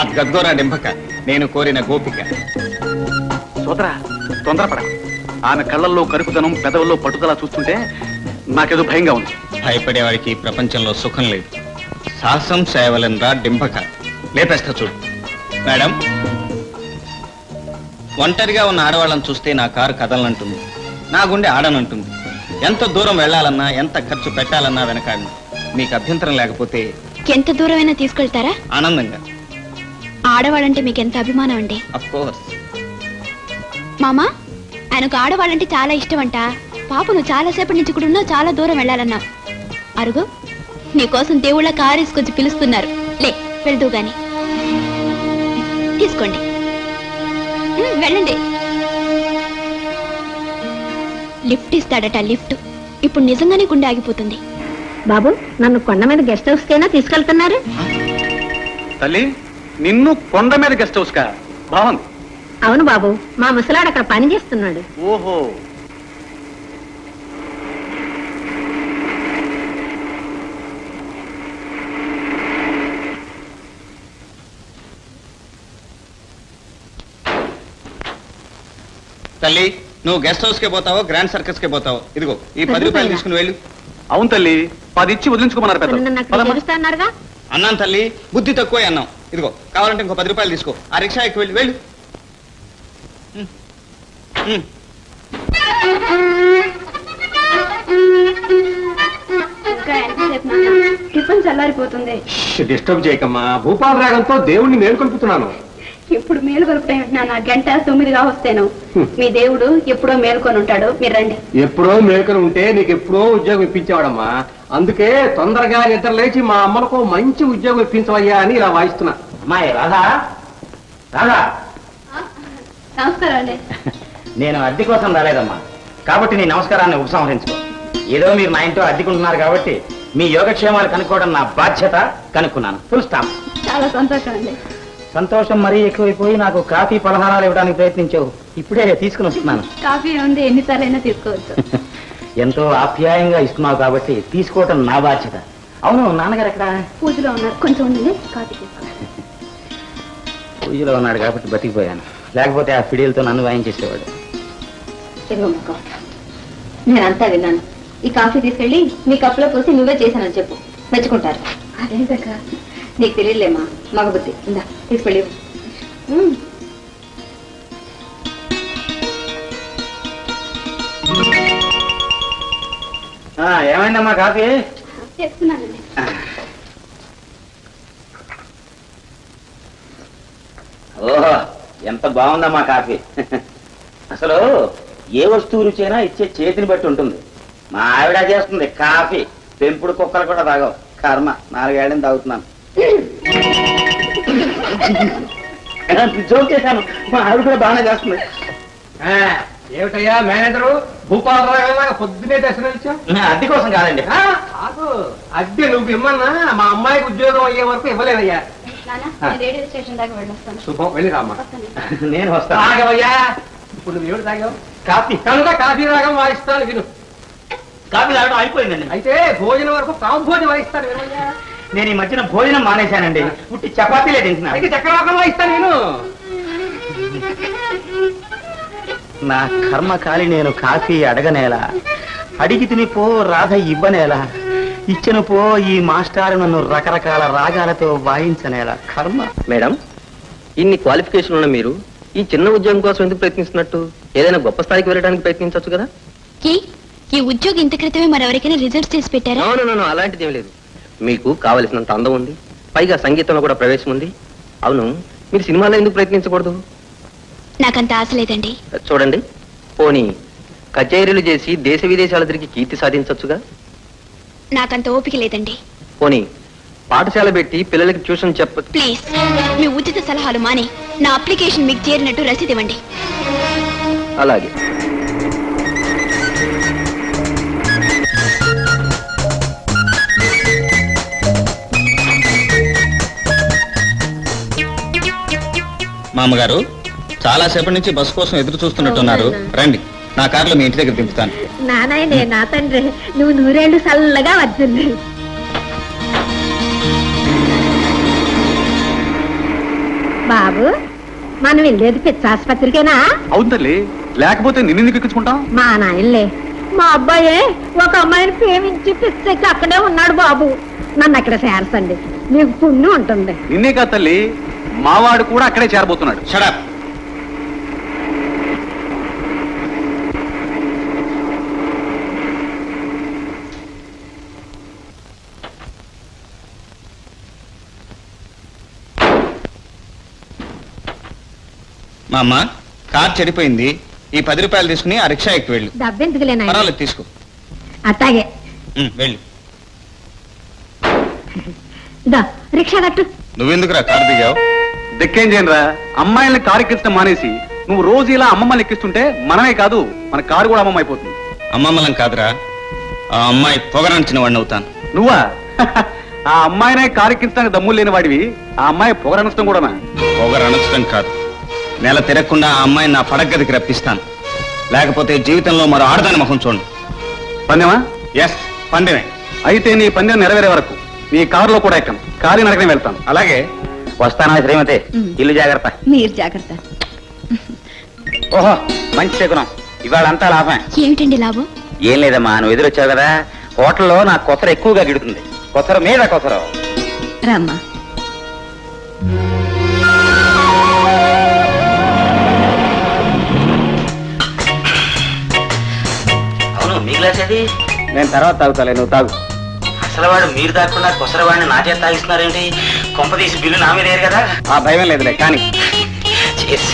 అది గద్గోరా డింపక, నేను కోరిన గోపిక. సోదరా, తొందరపడ. ఆమె కళ్ళల్లో కరుకుదనం, పెదవుల్లో పట్టుదల చూస్తుంటే నాకేదో భయంగా ఉంది. భయపడేవాడికి ప్రపంచంలో సుఖం లేదు. సాహసం సేవలనరా డింపక. లేపేస్తా చూడు. మేడం, ఒంటరిగా ఉన్న ఆడవాళ్ళని చూస్తే నా కారు కదలనంటుంది, నా గుండె ఆడనంటుంది. ఎంత దూరం వెళ్లాలన్నా, ఎంత ఖర్చు పెట్టాలన్నా వెనకాడి. మీకు అభ్యంతరం లేకపోతే ఎంత దూరమైనా తీసుకెళ్తారా? ఆనందంగా. ఆడవాళ్ళంటే మీకు ఎంత అభిమానం అండి? Of course. మామా, ఆయనకు ఆడవాళ్ళంటే చాలా ఇష్టం అంట. పాప నువ్వు చాలాసేపటి నుంచి కూడా ఉన్నావు, చాలా దూరం వెళ్ళాలన్నావు. అరుగు, నీకోసం దేవుళ్ళ కారు తీసుకొచ్చి పిలుస్తున్నారు. లే, వెళ్తూ గాని. తీసుకోండి, వెళ్ళండి. లిఫ్ట్ ఇస్తాడట, లిఫ్ట్. ఇప్పుడు నిజంగానే గుండె ఆగిపోతుంది. బాబు, నన్ను కొండ మీద గెస్ట్ హౌస్ కైనా తీసుకెళ్తున్నారు? తల్లి, నిన్ను కొండ మీద గెస్ట్ హౌస్ కా? బాగుంది. అవును బాబు, మా ముసలాడు అక్కడ పని చేస్తున్నాడు. ఓహో. తల్లి, నువ్వు గెస్ట్ హౌస్ కే పోతావో గ్రాండ్ సర్కస్ కే పోతావో? ఇదిగో ఈ 10 రూపాయలు తీసుకుని వెళ్ళు. అవును తల్లి, 10 ఇచ్చి వదిలించుకోమన్నారు పెద్దలు. నన్ను అక్కడ చేరుస్తాన్నారుగా? అన్నాను తల్లి, బుద్ధి తక్కువ అన్నాం. ఇదిగో కావాలంటే ఇంకో 10 రూపాయలు తీసుకో. ఆ రిక్షా ఎక్కి వెళ్ళు. వెళ్ళు. టిఫిన్ చల్లారిపోతుంది. డిస్టర్బ్ చేయకమ్మా. భూపాల రాగంతో దేవుణ్ణి మేల్కొల్పుతున్నాను. ఇప్పుడు మేలు కొలుపుతాయంటున్నా. 9:09 వస్తేను. మీ దేవుడు ఎప్పుడో మేల్కొని ఉంటాడు. మీరు రండి. ఎప్పుడో మేల్కొని ఉంటే నీకు ఎప్పుడో ఉద్యోగం ఇప్పించేవాడమ్మా. అందుకే తొందరగా నిద్ర లేచి మా అమ్మలకు మంచి ఉద్యోగం ఇప్పించవయ్యా అని ఇలా వాయిస్తున్నా. అమ్మాయి రాధా, రాధా. నమస్కారం అండి. నేను అద్దె కోసం రాలేదమ్మా, కాబట్టి నీ నమస్కారాన్ని ఉపసంహరించుకో. ఏదో మీరు నా ఇంట్లో అద్దెకుంటున్నారు కాబట్టి మీ యోగక్షేమాలు కనుక్కోవడం నా బాధ్యత. కనుక్కున్నాను. Full stop. చాలా సంతోషం అండి. సంతోషం మరీ ఎక్కువైపోయి నాకు కాఫీ పలహారాలు ఇవ్వడానికి ప్రయత్నించావు. ఇప్పుడే తీసుకుని వస్తున్నాను. కాఫీ ఉంది, ఎన్నిసార్లు అయినా తీసుకోవచ్చు. ఎంతో ఆప్యాయంగా ఇస్తున్నావు కాబట్టి తీసుకోవటం నా బాధ్యత. అవును, నాన్నగారు ఎక్కడ? పూజలో ఉన్నారు. కొంచెం ఉంది, కాఫీ తీసుకో. పూజలో ఉన్నాడు కాబట్టి బతికిపోయాను. లేకపోతే ఆ ఫిడియలతో నన్ను వాయించేసేవాడు. నేనంతా విన్నాను. ఈ కాఫీ తీసుకెళ్ళి మీ కప్పులో పోసి నువ్వే చేశానని చెప్పు, మెచ్చుకుంటారు. అదేంటక్క? నీకు తెలియలేమా మగబుద్ధి. ఇందా తీసుకెళ్ళి. ఏమైందమ్మా కాఫీ? చేస్తున్నానండి. ఓహో, ఎంత బాగుందమ్మా కాఫీ. అసలు ఏ వస్తువు రుచైనా ఇచ్చే చేతిని బట్టి ఉంటుంది. మా ఆవిడ చేస్తుంది కాఫీ. పెంపుడు కుక్కలు కూడా తాగవు. కర్మ, 4 ఏళ్ళని తాగుతున్నాను. జోక్ చేశాను. మా ఆవిడ కూడా బాగానే చేస్తుంది. ఏమిటయ్యా మేనేజరు, భూపాల రాగంలాగా పొద్దునే దర్శనం ఇచ్చావు? అద్దె కోసం కాదండి. కాదు, అద్దె నువ్వు ఇమ్మన్నా మా అమ్మాయికి ఉద్యోగం అయ్యే వరకు ఇవ్వలేదయ్యా. రేడియో స్టేషన్ దాకా వెళ్ళొస్తాను. శుభం, వెళ్ళి రామ్మా. నేను వస్తాను. తాగవయ్యా. ఇప్పుడు నువ్వు ఏమిటి తాగావు? కాఫీ. కనుక కాఫీ రాగం వాయిస్తాను విను. కాఫీ తాగడం అయిపోయిందండి. అయితే భోజనం వరకు కాంభోజనం వాయిస్తాను వినయ్యా. నేను ఈ మధ్యన భోజనం మానేశానండి. పుట్టి చపాతీలే తింటున్నాను. అయితే చక్రవాకం వాయిస్తాను విను. నా కర్మకాలి నేను కాఫీ అడగనేలా, అడిగి తినిపో రాధ ఇవ్వనేలా, ఇచ్చిన పో ఈ మాస్టారు నన్ను రకరకాల రాగాలతో వాయించనేలా. కర్మ. మేడం, ఇన్ని క్వాలిఫికేషన్ ఉన్న మీరు ఈ చిన్న ఉద్యోగం కోసం ఎందుకు ప్రయత్నిస్తున్నట్టు? ఏదైనా గొప్ప స్థాయికి వెళ్ళడానికి ప్రయత్నించవచ్చు కదా. ఈ ఉద్యోగం ఇంత క్రితమే మరెవరికైనా రిజల్ట్స్ చేసి పెట్టారా? అవును, అలాంటిది ఏం లేదు. మీకు కావలసినంత అందం ఉంది, పైగా సంగీతంలో కూడా ప్రవేశం ఉంది. అవును, మీరు సినిమాలో ఎందుకు ప్రయత్నించకూడదు? నాకంత ఆశ లేదండి. చూడండి, పోనీ కచేరీలు చేసి దేశ విదేశాల తిరిగి కీర్తి సాధించవచ్చుగా. నాకంత ఓపిక లేదండి. పోనీ పాఠశాల పెట్టి పిల్లలకి ట్యూషన్ ప్లీజ్, మీ ఉచిత సలహాలు మాని నా అప్లికేషన్ మీకు చేరినట్టు రసీదు ఇవ్వండి. అలాగే. మామగారు, చాలా సేపటి నుంచి బస్ కోసం ఎదురు చూస్తున్నట్టున్నారు. రండి, నా కారులో మీ ఇంటి దగ్గర దింపుతాను. నానాయనే, నా తండ్రి, నువ్వు 100 ఏళ్ళు చల్లగా వచ్చింది. బాబు మనం వెళ్ళేది పిచ్చ ఆసుపత్రికేనా? అవును తల్లి, లేకపోతే నిన్నెందుకు ఎక్కించుకుంటాం? మా నాయనలే, మా అబ్బాయే ఒక అమ్మాయిని ప్రేమించి పిచ్చెక్కి అక్కడే ఉన్నాడు బాబు. నన్ను అక్కడ చేర్చండి, మీకు పుణ్యం ఉంటుంది. నిన్నే కాదు తల్లి, మావాడు కూడా అక్కడే చేరబోతున్నాడు. షడప్. మా అమ్మ కార్ చెడిపోయింది, ఈ 10 రూపాయలు తీసుకుని ఆ రిక్షా ఎక్కి వెళ్ళు. డబ్బెందుకులే నాయన. పర్వాలేదు, తీసుకో. అట్టాగే వెళ్ళు. దా రిక్షా కట్టు. నువ్వెందుకురా కారు దిగావు? దిక్కేం చేయనురా, అమ్మాయిల్ని కారు ఎక్కించడం మానేసి నువ్వు రోజు ఇలా అమ్మమ్మల్ని ఎక్కిస్తుంటే మనమే కాదు మన కారు కూడా అమ్మమ్మ అయిపోతుంది. అమ్మమ్మలం కాదురా, ఆ అమ్మాయి పొగరంచిన వాడిని అవుతాను. నువ్వా? ఆ అమ్మాయినే కారు ఎక్కించడానికి దమ్ములు లేని వాడివి, ఆ అమ్మాయి పొగరనష్టం కూడానా? పొగరనొచ్చడం కాదు, నెల తిరగకుండా ఆ అమ్మాయిని నా పడగదికి రప్పిస్తాను. లేకపోతే జీవితంలో మరో ఆడదాని ముఖం చూడండి. పందెమా? ఎస్, పందెమే. అయితే నీ పందెం నెరవేరే వరకు నీ కారులో కూడా ఎక్కను, కాలి నడకనే వెళ్తాను. అలాగే. వస్తానా శ్రీమతి? ఇల్లు జాగ్రత్త. మీరు జాగ్రత్త. ఓహో, మంచి శకునం, ఇవాళ అంతా లాభం. ఏమిటండి లాభం? ఏం లేదమ్మా, నువ్వు ఎదురొచ్చావు కదా, హోటల్లో నాకు కొసర ఎక్కువగా గిడుతుంది. కొసర మీద కొసర. రమ్మా. అవును, మీ గ్లాస్ అది? నేను తర్వాత తాగుతాలే, నువ్వు తాగు. అసలు వాడు మీరు దాక్కుండా కొసరవాడిని నా చేత తాగిస్తున్నారేంటి? కొంప తీసి బిల్లు నా మీద కదా? ఆ భయం లేదులే కానీ. Cheers.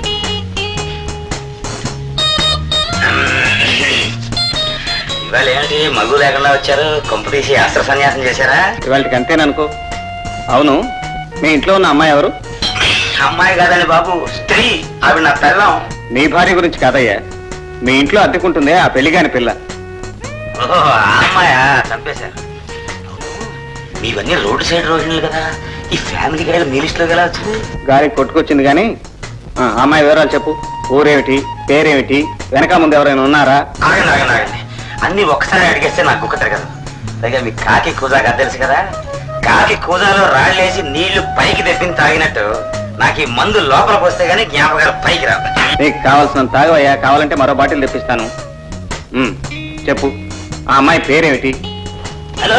ఇవాళ ఏంటి మగు లేకుండా వచ్చారు? కొంప తీసి అస్త్ర సన్యాసం చేశారా? ఇవాళకి అంతేననుకో. అవును, మీ ఇంట్లో ఉన్న అమ్మాయి ఎవరు? అమ్మాయి కాదండి బాబు, స్త్రీ. ఆవిడ నా పిల్లం. నీ భార్య గురించి కాదయ్యా, మీ ఇంట్లో అద్దెకుంటుందే ఆ పెళ్లిగాని పిల్ల. ఓహో, ఆ అమ్మాయా? చంపేశారు. మీవన్నీ రోడ్డు సైడ్ రోజులు కదా, ఈ ఫ్యామిలీ గైడ్ మీ లిస్టులో ఎలా వచ్చింది? గారికి కొట్టుకొచ్చింది కానీ ఆ అమ్మాయి వివరాలు చెప్పు. ఊరేమిటి, పేరేమిటి, వెనక ముందు ఎవరైనా ఉన్నారా? ఆగండి ఆగండి ఆగండి, అన్ని ఒక్కసారి అడిగేస్తే నాకు గుక్కతారు కదా. పైగా మీ కాకి కూజాగా తెలుసు కదా, కాకి కూజాలో రాళ్ళేసి నీళ్లు పైకి తెప్పింది తాగినట్టు నాకు ఈ మందు లోపల పోస్తే గానీ జ్ఞాపకాలు పైకి రావు. నీకు కావాల్సిన తాగవయ్యా, కావాలంటే మరో బాటిల్ తెప్పిస్తాను. చెప్పు, ఆ అమ్మాయి పేరేమిటి? హలో,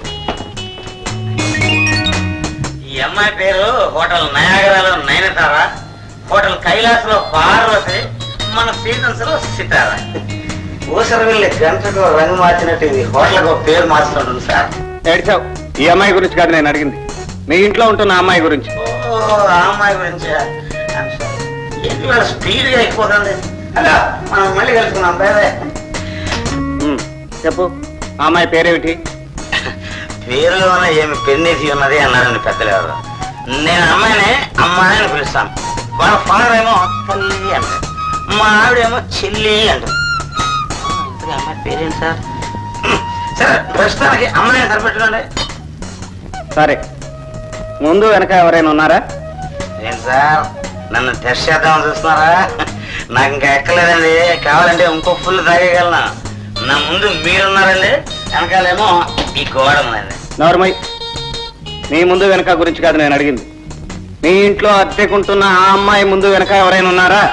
ఈ అమ్మాయి పేరు హోటల్ నయాగరాలో నయనతార, హోటల్ కైలాస్ లో పార్వతి, మన సీజన్స్ లో సితారా. ఊసర వెళ్ళి గంటకు రంగు మార్చినట్టు ఇది హోటల్కు పేరు మార్చుకుంటుంది సార్. ఏడ్చావు. ఈ అమ్మాయి గురించి కాదు నేను అడిగింది, మీ ఇంట్లో ఉంటున్న అమ్మాయి గురించి. ఓ, ఆ అమ్మాయి గురించి ఏంటి వాళ్ళ స్పీడ్ గా అయిపోతుంది. హలో, మనం మళ్ళీ కలుసుకున్నాం. బాయ్. చెప్పు, ఆ అమ్మాయి పేరేమిటి? పేరులోనే ఏమి పెన్నేసి ఉన్నది అన్నారండి పెద్దలు ఎవరు. నేను అమ్మాయిని అమ్మాయి అని పిలుస్తాను. వాళ్ళ ఫాదర్ ఏమో తల్లి అంటారు, మా ఆవిడేమో చెల్లి అంటారు. అమ్మాయి పేరేంటి సార్? సరే, ప్రస్తుతానికి అమ్మాయిని సరిపెట్టుకోండి. సరే, ముందు వెనక ఎవరైనా ఉన్నారా? ఏంటి సార్, నన్ను టెస్ట్ చేద్దామని చూస్తున్నారా? నాకు ఇంకా ఎక్కలేదండి, కావాలంటే ఇంకో ఫుల్ తాగేయగలను. నా ముందు మీరున్నారండి, వెనకాలేమో ఈ గోడ ఉన్నది. నోర్మై, మీ ముందు వెనక గురించి కాదు నేను అడిగింది, మీ ఇంట్లో అద్దెకుంటున్న ఆ అమ్మాయి ముందు వెనక ఎవరైనా ఉన్నారా?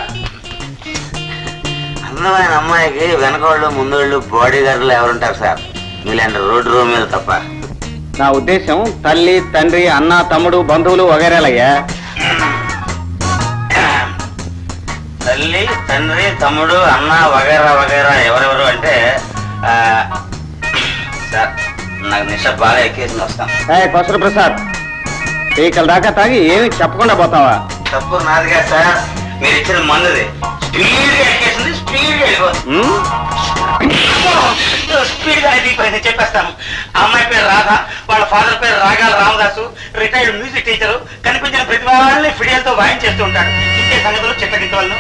అందమైన అమ్మాయికి వెనకోళ్ళు ముందోళ్ళు బాడీ గార్డులు ఎవరుంటారు సార్, మీలాంటి రోడ్డు రూమ్ మీద తప్ప. నా ఉద్దేశం తల్లి, తండ్రి, అన్న, తమ్ముడు, బంధువులు వగైరాలయ్యా. తల్లి, తండ్రి, తమ్ముడు, అన్న వగైరా వగైరా ఎవరెవరు అంటే సార్, నాకు నిష బాగా ఎక్కేసి వస్తాం. కొసరు ప్రసాద్, పీకల దాకా తాగి ఏమి చెప్పకుండా పోతావా? తప్పు నాదిగా సార్, మీరు ఇచ్చిన మందుది. స్పీడ్ గా ఎక్కేసింది, స్పీడ్ గా వెళ్ళిపోతుంది. స్పీడ్ గా దిగిపోయింది. చెప్పేస్తాను. అమ్మాయి పేరు రాధ, వాళ్ళ ఫాదర్ పేరు రాగాల రామదాసు, రిటైర్డ్ మ్యూజిక్ టీచరు. కనిపించిన ప్రతి వాళ్ళని ఫిడియల్తో వాయించేస్తూ ఉంటాడు. ఇంకే సంగతులు చిత్తగించే వాళ్ళు.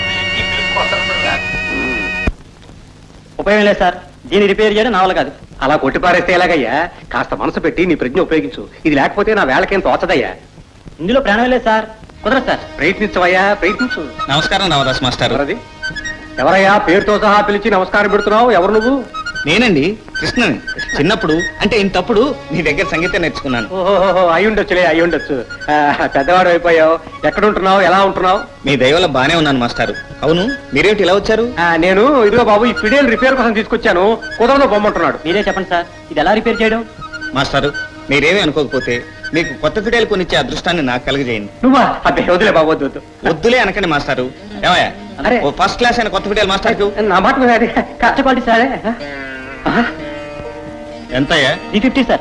ఉపయోగం లేదు సార్, దీన్ని రిపేర్ చేయడం నా వల్ల కాదు. అలా కొట్టిపారేస్తే ఎలాగయ్యా? కాస్త మనసు పెట్టి నీ ప్రజ్ఞ ఉపయోగించు. ఇది లేకపోతే నా వేళకేం తోచదయ్యా. ఇందులో ప్రాణం లేదు సార్, కుదరదు సార్. ప్రయత్నించవయ్యా, ప్రయత్నించు. నమస్కారం రామదాస్ మాస్టర్. ఎవరది? ఎవరయ్యా పేరుతో సహా పిలిచి నమస్కారం పెడుతున్నావు? ఎవరు నువ్వు? నేనండి కృష్ణని. చిన్నప్పుడు అంటే ఇంతప్పుడు నీ దగ్గర సంగీతం నేర్చుకున్నాను. ఓహో అయి ఉండొచ్చులే అయి ఉండొచ్చు. పెద్దవాడు అయిపోయావు. ఎక్కడ ఉంటున్నావు, ఎలా ఉంటున్నావు? మీ దయవల్ల బానే ఉన్నాను మాస్టారు. అవును, మీరేమిటి ఇలా వచ్చారు? నేను ఇదిగో బాబు ఈ ఫిడేల్ రిపేర్ కోసం తీసుకొచ్చాను. కుదరలో బొమ్మంటున్నాడు. మీరే చెప్పండి సార్, ఇది ఎలా రిపేర్ చేయడం? మాస్టారు, మీరేమీ అనుకోకపోతే మీకు కొత్త ఫిడేలు కొనిచ్చే అదృష్టాన్ని నాకు కలుగజేయండి. నువ్వా? అదే వదిలే బాబు, వద్దు వద్దు. వద్దులే అనకండి మాస్టారు. ఏమయ్యా, అరే. ఓ ఫస్ట్ క్లాస్ అయిన కొత్త ఫిడేలు మాస్టర్కు నా మాట మీద అది కష్టపడి సార్ ఎంతయ్యా? 350 సార్.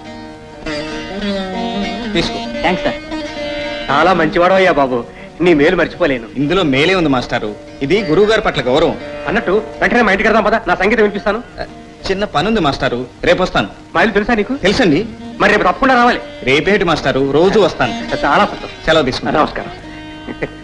తీసుకో. Thanks sir. చాలా మంచివాడు అయ్యా బాబు. నీ మేలు మర్చిపోలేను. ఇందులో మేలే ఉంది మాస్టారు. ఇది గురువు గారి పట్ల గౌరవం. అన్నట్టు వెంటనే మా ఇంటికి వెళ్దాం పద. నా సంగీతం వినిపిస్తాను. చిన్న పనుంది మాస్టారు, రేపు వస్తాను. మా ఇల్లు తెలుసా నీకు? తెలుసండి. మరి రేపు తప్పకుండా రావాలి. రేపేటి మాస్టారు, రోజు వస్తాను. చాలా సంతోషం. సెలవు తీసుకుంటాను. నమస్కారం.